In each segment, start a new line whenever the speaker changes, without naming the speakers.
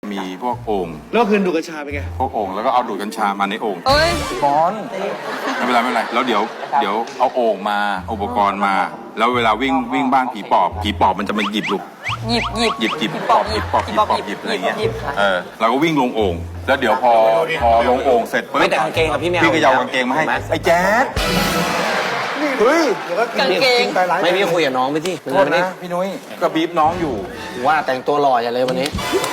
มีพวกโอ่ง
แล้วคืนดูดกัญชาไปไง
พวกโอ่งแล้วก็เอาดูดกัญชามาในโอ่ง
เอ้ย
บอลไม่เป็นไรไม่เป็นไรแล้วเดี๋ยวเอาโอ่งมาอุปกรณ์มา แล้วเวลาวิ่งบ้านผีปอบมันจะมาหยิบลูก
หยิบ
หยิบปอบหยิบอะไรเงี้ยเราก็วิ่งลงโอ่งแล้วเดี๋ยวพอลงโอ่งเสร็จปุ๊บ
ไม่แต่กางเกงกับพี่แมว
พี่ก็ยาวกางเกงมาให้ไอ้แจ๊ดเฮ้ย
กางเกง
ไม่พี่คุยกับน้องไปที่
โทษนะพี่นุ้ยก็บีบน้องอยู่
ว่าแต่งตัวหล่ออย่าเลยวันนี้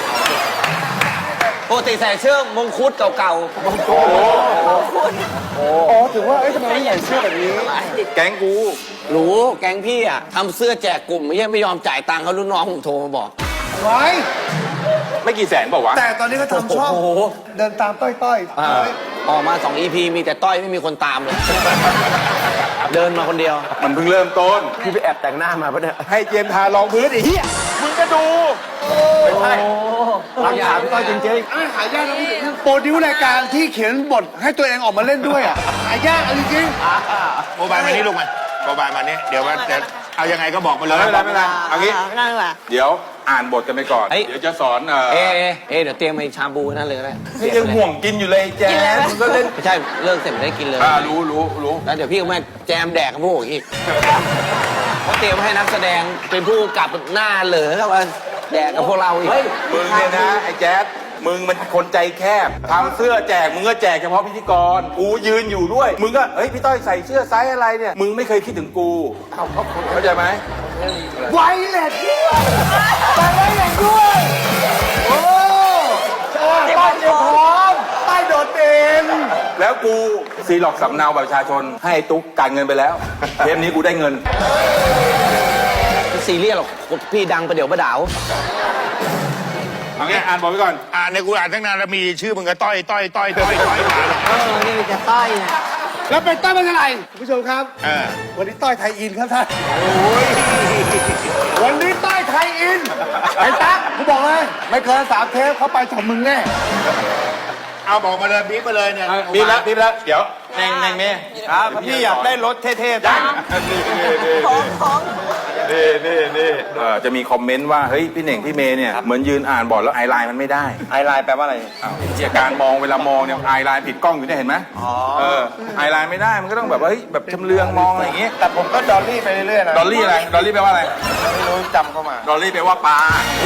ปกติใส่เสื้อมงคุดเก่าๆมงคุด
อ๋อถึงว่าทำไมไม่ใส่เสื้อแบบนี้
แก๊งกู
รู้แก๊งพี่อ่ะทำเสื้อแจกกลุ่มไม่ยอมจ่ายตังค์เขารุ่นน้องผมโทรมาบอก
ไว้
ไม่กี่แสนบอกว่าวะ
แต่ตอนนี้ก็ทำช่อง
โอ้โห
เดินตามต้อย
ออกมา2 EP มีแต่ต้อยไม่มีคนตามเลย เดินมาคนเดียว
มันเพิ่งเริ่มต้น
พี่ไปแอบแต่งหน้ามาปะเนี่ย
ให้เจมส์ทารองพื้นไอ้เหี้ยมึงก็ดู
ไม่ใช่รักษาพี่ต้อยจริงๆหายากนะพี่โปรดิวรายการที่เขียนบทให้ตัวเองออกมาเล่นด้วยหายากจริง
โมบายมานี่ลูกมาโมบายมานี่เดี๋ยวมันจะเอายังไงก็บอกมาเลย
ไม่เป็นไรเอางี้
ไม่ได้ว่ะ
เดี๋ยวอ่านบทกันไปก่อน
เฮ้ย
เดี๋ยวจะสอน
เดี๋ยวเตรียมไอ้ชาบูนั่นเลยก็ได้
นี่ยังห่วงกินอยู่เลยแจ๊ดมึงก็เล่น
ไม่ใช่เลิกเสร็จไม่ได้กินเลย
รู้
แล้วเดี๋ยวพี่ก็มาแจมแดกกับพวกอีกเขาเตรียมให้นักแสดงเป็นผู้กำกับหน้าเหลือครับว่าแดกกับพวกเราอีก
มึงเนี่ยนะไอ้แจ๊ดมึงมันคนใจแคบทำเสื้อแจกมึงก็แจกเฉพาะพิธีกรกูยืนอยู่ด้วยมึงก็เฮ้ยพี่ต้อยใส่เสื้อไซส์อะไรเนี่ยมึงไม่เคยคิดถึงกูเข้าใจไหม
ๆไวเลสด้วยไวเลสด้วยโอ้ป้ายเตรียมพร้อมป้ายโดดเด่น
แล้วกูซีล็อกสำเนาบัตรประชาชนให้ตุ๊กการเงินไปแล้วเทปนี้กูได้เงิน
ไม่ซีเรียสหรอกพี่ดังประเดี๋ยวประดาว
เอางี้อ่านบอกไว้ก่อน
ในกูอ่านตั้งนานแล้วมีชื่อมึงก็ต้อยมา
นี่จะต้อยเนี่ย
แล้วเป็นต้อยเป็นอะไรคุณผู้ชมครับ วันนี้ต้อยไทยอินครับท่านวันนี้ต้อยไทยอินไอ้ตั๊กกูบอกเลยไม่เกิน3 เทปเขาไปจับมึงแน่
เอาบอกมาเลยบีบมาเลยเนี่ย
บีบแล้วเดี๋ยวเน่งเมย์ครับพี่อยากได้รถเท่ๆจังนี่จะมีคอมเมนต์ว่าเฮ้ยพี่เน่งพี่เมย์เนี่ยเหมือนยืนอ่านบอร์ดแล้วไอไลน์มันไม่ได้ไอไลน์แปลว่าอะไรเจียการมองเวลามองเนี่ยไอไลน์ผิดกล้องอยู่เนี่ยเห็นไหมไอไลน์ไม่ได้มันก็ต้องแบบว่าเฮ้ยแบบชำเลืองมองอะไรอย่างงี้แต่ผมก็ดอลลี่ไปเรื่อยๆนะดอลลี่อะไรดอลลี่แปลว่าอะไรไม่รู้จำเข้ามาดอลลี่แปลว่าปลา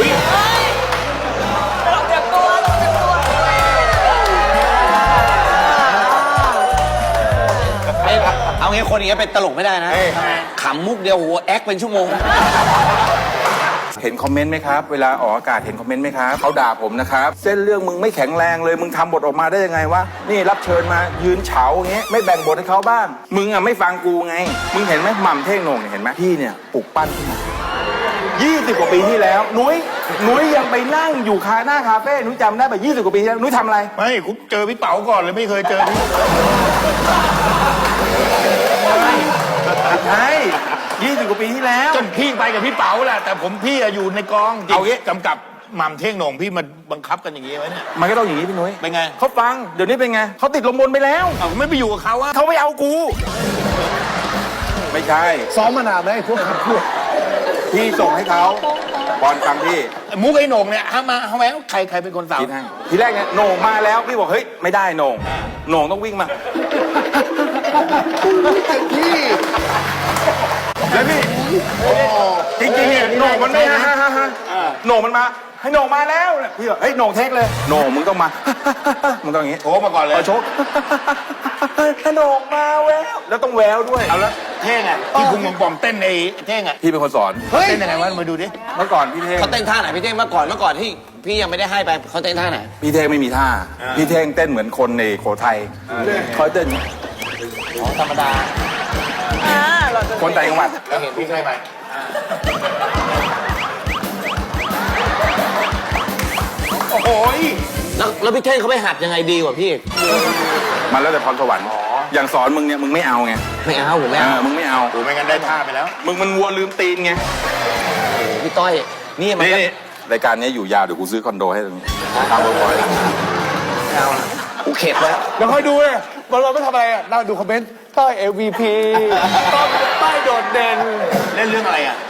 เราเตรียมตัว
เอางี้คนอย่างเงี้ยเป็นตลกไม่ได้นะขำมุกเดียวโหแอคเป็นชั่วโมง
เห็นคอมเมนต์ไหมครับเวลาออกอากาศเห็นคอมเมนต์ไหมครับเขาด่าผมนะครับเส้นเรื่องมึงไม่แข็งแรงเลยมึงทำบทออกมาได้ยังไงวะนี่รับเชิญมายืนเฉาอย่างเงี้ยไม่แบ่งบทให้เขาบ้างมึงอ่ะไม่ฟังกูไงมึงเห็นไหมหม่ำเท่งโหน่งเนี่ยเห็นไหมพี่เนี่ยปลุกปั้นขึ้นมา20 กว่าปีที่แล้วนุ้ยยังไปนั่งอยู่หน้าคาเฟ่นุ้ยจำได้แบบ20 กว่าปีที่แล้วนุ้ยทำอะไร
ไม่กูเจอพี่เป๋าก่อนเลยไม่เคยเจอพี่
ใช่20 กว่าปีที่แล้ว
จนพี่ไปกับพี่เป๋าแหละแต่พี่อยู่ในกอง
เอางี้
กำกับหม่ำเท่งโหน่งพี่มาบังคับกันอย่างงี้ไว้เนี่ย
มันก็ต้องอย่างนี้พี่นุ้ย
เป็นไง
เขาฟังเดี๋ยวนี้เป็นไงเขาติดลมบนไปแล้ว
เอาไม่ไปอยู่กับเขาอะ
เขาไม่เอากู ไม่ใช่
ซ้อมมานานไหมไอ้พวกคำพูด
พี่ส่งให้เขาบอลฟังพี่
มุกไอ้โหน่งเนี่ยเอาไหมใครเป็นคนสั่ง
คิดให้ทีแรกเนี่ยโหน่งมาแล้วพี่บอกเฮ้ยไม่ได้โหน่งต้องวิ่งมา
พี่
แล้วพี่จริงๆเนี่ยโหน่งมันไม่ฮ่าโหน่งมันมาให้โหน่งมาแล้วพี่บอกเฮ้ยโหน่งเทคเลยโหน่งมึงต้องมา มึงต้องอย่างงี้
โทรมาก่อนเลย
เอาโชกโหน่งมาแววแล้วต้องแววด้วย
เอาแล้วเท่งอะที่พุงปอมๆเต้นไอ้เท่งอะ
พี่เป็นคนสอน
เต้นยังไงวะมาดูดิ
เมื่อก่อนพี่เท่ง
เขาเต้นท่าไหนพี่เต้งเมื่อก่อนที่พี่ยังไม่ได้ให้ไปเขาเต้นท่าไหน
พี่เท่งไม่มีท่าพี่เท่งเต้นเหมือนคนในโขทัยเขาเต้น
ธรรมดา
คนต่างจังหวัด
แล้วเห็นพี่ใครไปโอ้โห
แล้วพี่เท่งเขาไปหัดยังไงดีกว่าพี่
มันแล้วแต่พรสวรรค์อย่างสอนมึงเนี่ยมึงไม่เอาไง
ไม่เอาผมไม่เอา
มึงไม่เอา
โอ้ไม่งั้นได้ท่าไปแล้ว
มึงมันวัวลืมตีนไง
พี่ต้อยนี่มัน
นี่รายการนี้อยู่ยาวเดี๋ยวกูซื้อคอนโดให้ตรงนี้ตามบ่อย
เอาละกูเข็ดแล้ว
เดี๋ยวค่อยดูเลยบอลไม่ทำอะไรนั่งดูคอมเมนต์ต้อย MVP ต้อยโดดเด่น
เล่นเรื่องอะไรอะ